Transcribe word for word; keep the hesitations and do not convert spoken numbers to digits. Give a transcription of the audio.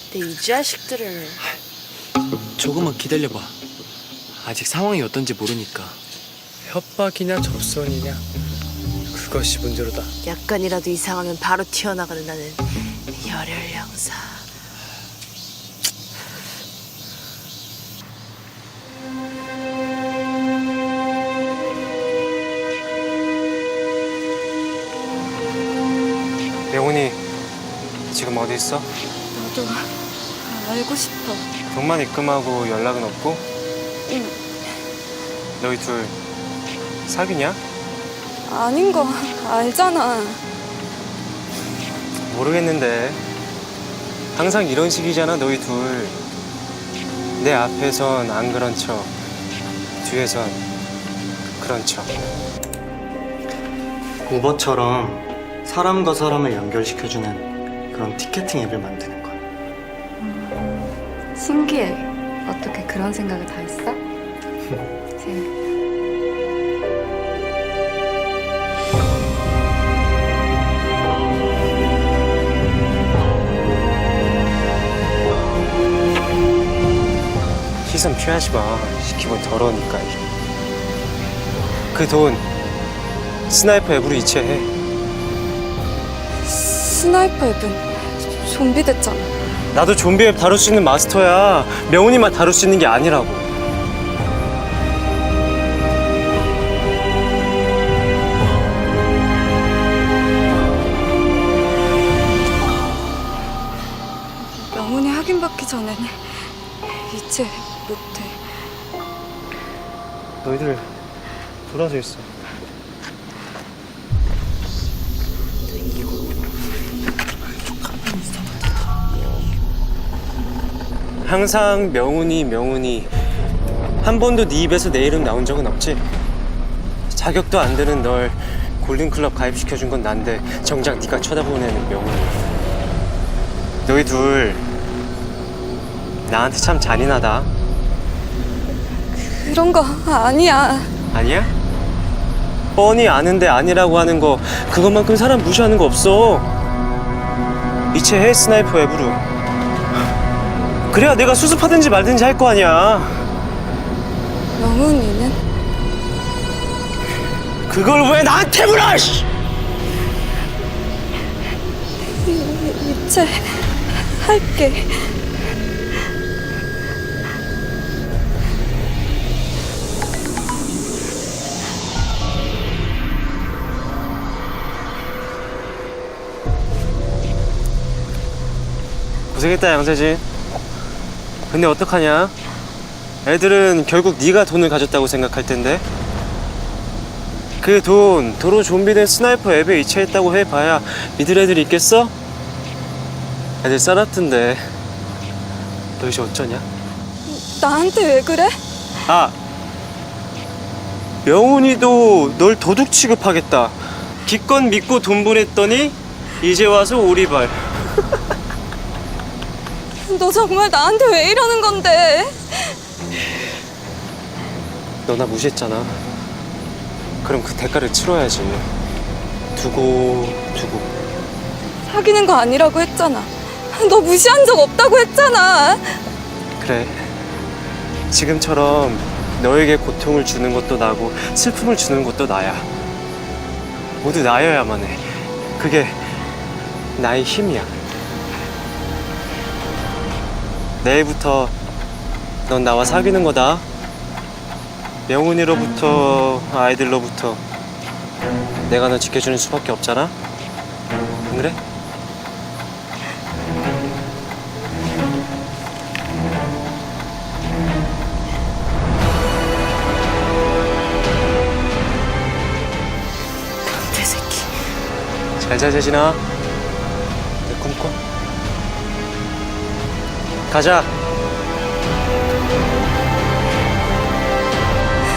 근데 이 자식들을. 조금만 기다려봐. 아직 상황이 어떤지 모르니까. 협박이냐 접선이냐 그것이 문제로다. 약간이라도 이상하면 바로 튀어나가는 나는 열혈 형사. 명훈이 지금 어디 있어? 나도 알고 싶어. 돈만 입금하고 연락은 없고? 응. 너희 둘 사귀냐? 아닌 거 알잖아. 모르겠는데 항상 이런 식이잖아 너희 둘. 내 앞에선 안 그런 척, 뒤에선 그런 척. 우버처럼 사람과 사람을 연결시켜주는 그런 티켓팅 앱을 만드는 거야. 신기해. 어떻게 그런 생각을 다 했어? 재밌다. 시선 피하지 마. 기분 더러우니까. 그 돈 스나이퍼 앱으로 이체해. 스나이퍼 앱은 좀비 됐잖아. 나도 좀비 앱 다룰 수 있는 마스터야. 명훈이만 다룰 수 있는 게 아니라고. 명훈이 확인받기 전에는 이체 못해. 너희들 돌아서 있어. 항상 명훈이 명훈이 한 번도 네 입에서 내 이름 나온 적은 없지? 자격도 안 되는 널 골든클럽 가입시켜준 건 난데 정작 네가 쳐다보는 애는 명훈이. 너희 둘 나한테 참 잔인하다. 그런 거 아니야. 아니야? 뻔히 아는데 아니라고 하는 거 그것만큼 사람 무시하는 거 없어. 이체해 스나이퍼 앱으로. 그래야 내가 수습하든지 말든지 할 거 아니야. 명훈이는? 그걸 왜 나한테 물어! 씨! 이체 할게. 고생했다 양세진. 근데 어떡하냐? 애들은 결국 네가 돈을 가졌다고 생각할 텐데. 그 돈 도로 좀비된 스나이퍼 앱에 이체했다고 해봐야 믿을 애들이 있겠어? 애들 싸놨던데. 너 이제 어쩌냐? 나한테 왜 그래? 아! 명훈이도 널 도둑 취급하겠다. 기껏 믿고 돈 보냈더니 이제 와서 오리발. 너 정말 나한테 왜 이러는 건데? 너 나 무시했잖아. 그럼 그 대가를 치러야지. 두고 두고. 사귀는 거 아니라고 했잖아. 너 무시한 적 없다고 했잖아. 그래. 지금처럼 너에게 고통을 주는 것도 나고 슬픔을 주는 것도 나야. 모두 나여야만 해. 그게 나의 힘이야. 내일부터 넌 나와 사귀는 거다. 명훈이로부터 아이들로부터 내가 너 지켜주는 수밖에 없잖아. 안 그래? 변태 새끼. 잘자 재진아. 내 꿈꿔. 가자.